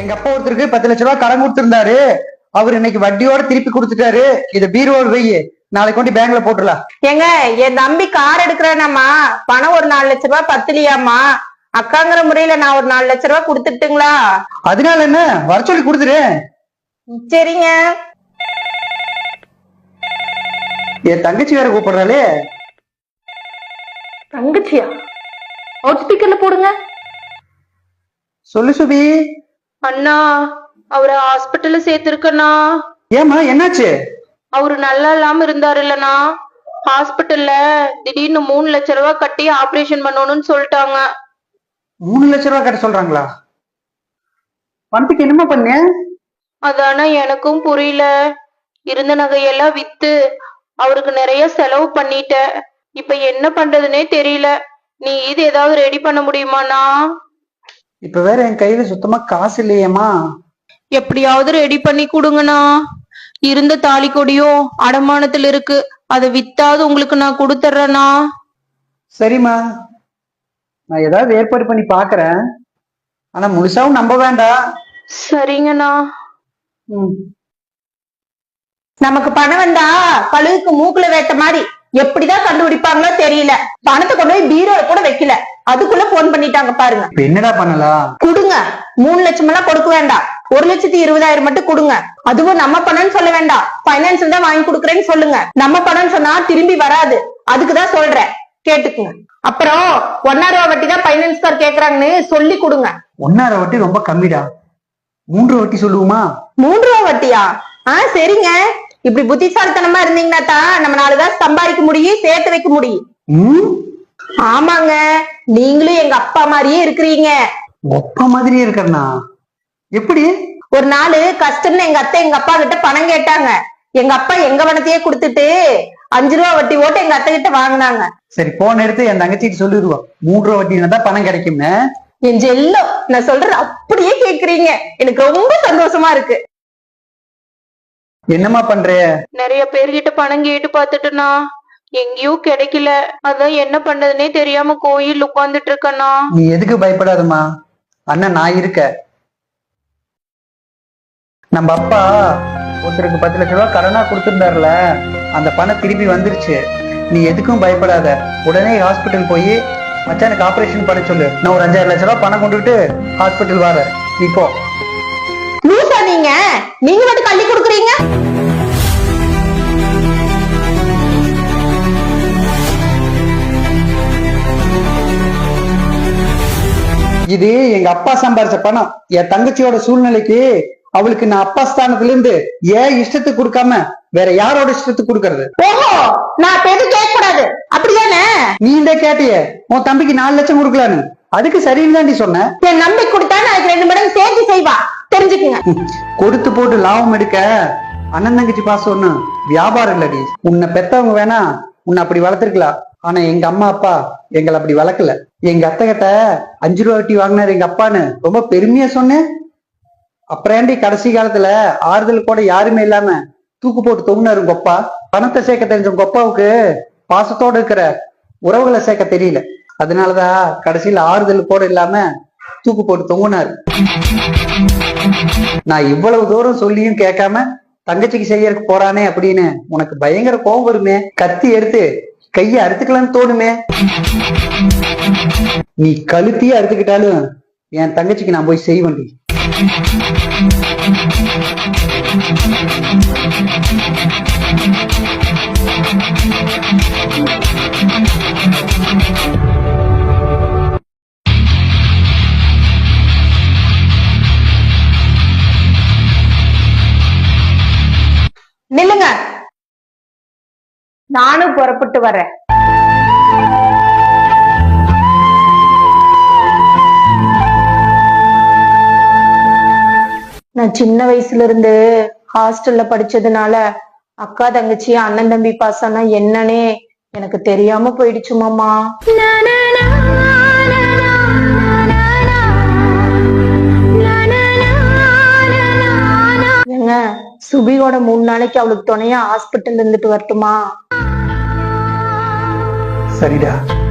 எங்க அப்பா ஒருத்தருக்கு 10 லட்சம் ரூபாய் கடன் கொடுத்திருந்தாரு. அவர் இன்னைக்கு வட்டியோட திருப்பி கொடுத்துட்டாரு. இத பீரோடு வை, நாளைக்கு கொண்டு பேங்க்ல போட்டுடலாம். ஏங்க, என் தம்பி கார் எடுக்கிறானாமா, பணம் ஒரு 4 லட்சம் ரூபாய் பத்தலையாமா. அக்காங்கிற முறையில நான் ஒரு 4 லட்சம் ரூபாய் கொடுத்துட்டுங்களா? அதனால என்ன, வர சொல்லி கொடுத்துரு. சரிங்க. என் தங்கச்சி வேற கூப்பிடுறாளே. தங்கச்சியா? அவுட் ஸ்பீக்கர்ல போடுங்க. சொல்லு சுபி. அண்ணா, அவரை ஹாஸ்பிட்டல்ல சேர்த்திருக்கண்ணா. ஏமா, என்னாச்சு? அவரு நல்லா இல்லாம இருந்தாரு இல்லனா, ஹாஸ்பிட்டல்ல திடீர்னு 3 லட்சம் ரூபாய் கட்டி ஆபரேஷன் பண்ணணும்னு சொல்லிட்டாங்க. 3 லட்சம் ரூபாய் கட்ட சொல்றாங்களா? பணத்துக்கு என்னமா பண்ண? அதானா எனக்கும் புரியல. இருந்த நகையெல்லாம் வித்து அவருக்கு நிறைய செலவு பண்ணிட்டேன். இப்ப என்ன பண்றதுன்னே தெரியல. நீ இது ஏதாவது ரெடி பண்ண முடியுமாண்ணா? இப்ப வேற என் கையில சுத்தமா காசு இல்லையேமா. எப்படியாவது ரெடி பண்ணி கொடுங்கண்ணா. இருந்த தாலி கொடியும் அடமானத்துல இருக்கு, அதை வித்தாவது உங்களுக்கு நான் கொடுத்துட்றேண்ணா. சரிம்மா, நான் ஏதாவது ஏற்பாடு பண்ணி பாக்குறேன். ஆனா முழுசாவும் நம்ப வேண்டாம். சரிங்கண்ணா. நமக்கு பணம் வந்தா கழுகுக்கு மூக்குல வேட்ட மாதிரி எப்படிதான் கண்டுபிடிப்பாங்களோ தெரியல. பணத்தை கொண்டு போய் பீரோல கூட வைக்கல, அதுக்குள்ள போன் பண்ணிட்டாங்க பாருங்க. என்னடா பண்ணலாம்? கொடுங்க. 3 லட்சம் எல்லாம் கொடுக்க வேண்டாம், 1,20,000 மட்டும் கொடுங்க. அதுவும் நம்ம பணம்னு சொல்ல வேண்டாம், பைனான்ஸ்ல தான் வாங்கி கொடுக்குறேன்னு சொல்லுங்க. நம்ம பணம் சொன்னா திரும்பி வராது, அதுக்குதான் சொல்றேன், கேட்டுக்குங்க. அப்புறம் 1.5 ரூபா வட்டி தான் பைனான்ஸ்கார் கேக்குறாங்கன்னு சொல்லி கொடுங்க. 1.5 வட்டி ரொம்ப கம்மிடா, 3 வட்டி சொல்லுவோமா? 3 ரூபா வட்டியா? சரிங்க. இப்படி புத்திசாலித்தனமா இருந்தீங்கன்னா தான் நம்ம 4 காசு சம்பாதிக்க முடியும், சேர்த்து வைக்க முடியும். ஆமாங்க, நீங்களும் எங்க அப்பா மாதிரியே இருக்கிறீங்க. அப்பா மாதிரியே இருக்கறனா? எப்படி? ஒரு நாள் கஷ்டம்னு எங்க அத்தை எங்க அப்பா கிட்ட பணம் கேட்டாங்க. எங்க அப்பா எங்க பணத்தையே கொடுத்துட்டு 5 ரூபா வட்டி ஓட்டு எங்க அத்தை கிட்ட வாங்கினாங்க. சரி, போன எடுத்து என் தங்கச்சிட்டு சொல்லிடுவோம், 3 ரூபா வட்டினா தான் பணம் கிடைக்கும்னு. என் செல்லம், நான் சொல்றது அப்படியே கேக்குறீங்க. எனக்கு ரொம்ப சந்தோஷமா இருக்கு. என்னமா பண்ற? நிறைய பேர்கிட்ட பணம் கேட்டு பாத்துட்டுனா எங்கேயும் கிடைக்கல. அதான் என்ன பண்றதுன்னே தெரியாம கோயில் உட்கார்ந்துட்டு இருக்கேன்னா. நீ எதுக்கு பயப்படாதம்மா, அண்ணன் நான் இருக்க. நம்ம அப்பா ஒருத்தருக்கு 10 லட்சம் ரூபாய் கடனா கொடுத்திருந்தாருல, அந்த பணம் திருப்பி வந்துருச்சு. நீ எதுக்கும் பயப்படாத, உடனே ஹாஸ்பிட்டல் போய் மச்சானுக்கு ஆபரேஷன் பண்ண சொல்லு. நான் ஒரு 5,000 லட்சம் ரூபாய் பணம் கொண்டுட்டு ஹாஸ்பிட்டல் வர. நீ போ. லூசா நீங்க? நீங்க மட்டும் கள்ளி கொடுக்குறீங்க. இது எங்க அப்பா சம்பாரிச்ச பணம். என் தங்கச்சியோட சூழ்நிலைக்கு அவளுக்கு நான் அப்பா ஸ்தானத்துல இருந்து ஏன் இஷ்டத்துக்கு கொடுக்காம வேற யாரோட இஷ்டத்துக்கு கொடுக்கறது? ஓஹோ, நான் எதுவும் கேட்க கூடாது அப்படிதானே? நீ இந்த கேட்டிய உன் தம்பிக்கு 4 லட்சம் கொடுக்கலான்னு, அதுக்கு சரின்னு தாண்டி சொன்ன. என் நம்பி கொடுத்தா அதுக்கு 2 மடங்கு சேர்த்து செய்வா, தெரிஞ்சுக்குங்க. கொடுத்து போட்டு லாபம் எடுக்க அண்ணன் தங்கச்சி பாசம் ஒண்ணு வியாபாரம் இல்லடி. உன்னை பெத்தவங்க வேணா உன்னை அப்படி வளர்த்திருக்கலாம், ஆனா எங்க அம்மா அப்பா எங்களை அப்படி வளர்க்கல. எங்க அத்தை கிட்ட 5 ரூபா வட்டி வாங்கினாரு எங்க அப்பான்னு ரொம்ப பெருமையா சொன்னேன். அப்புறம் கடைசி காலத்துல ஆறுதல் கூட யாருமே இல்லாம தூக்கு போட்டு தொங்குனாரு உங்க அப்பா. பணத்தை சேர்க்க தெரிஞ்ச உங்க அப்பாவுக்கு பாசத்தோட இருக்கிற உறவுகளை சேர்க்க தெரியல. அதனாலதான் கடைசியில ஆறுதல் கூட இல்லாம தூக்கு போட்டு தொங்குனாரு. நான் இவ்வளவு தூரம் சொல்லியும் கேட்காம தங்கச்சிக்கு செய்யறதுக்கு போறானே அப்படின்னு உனக்கு பயங்கர கோபம் வருமே. கத்தி எடுத்து கைய அறுத்துக்கலாம்னு தோணுமே. நீ கழுத்தியே அறுத்துக்கிட்டாலும் என் தங்கச்சிக்கு நான் போய் செய்வேன். நில்லுங்க, நானும் புறப்பட்டு வரேன். நான் சின்ன வயசுல இருந்து ஹாஸ்டல்ல படிச்சதுனால அக்கா தங்கச்சி அண்ணன் தம்பி பாசம்னா என்னன்னே எனக்கு தெரியாம போயிடுச்சு மாமா. ஏங்க, சுபியோட 3 நாளைக்கு அவளுக்கு துணையா ஹாஸ்பிட்டல் இருந்துட்டு வரட்டுமா? சரிடா.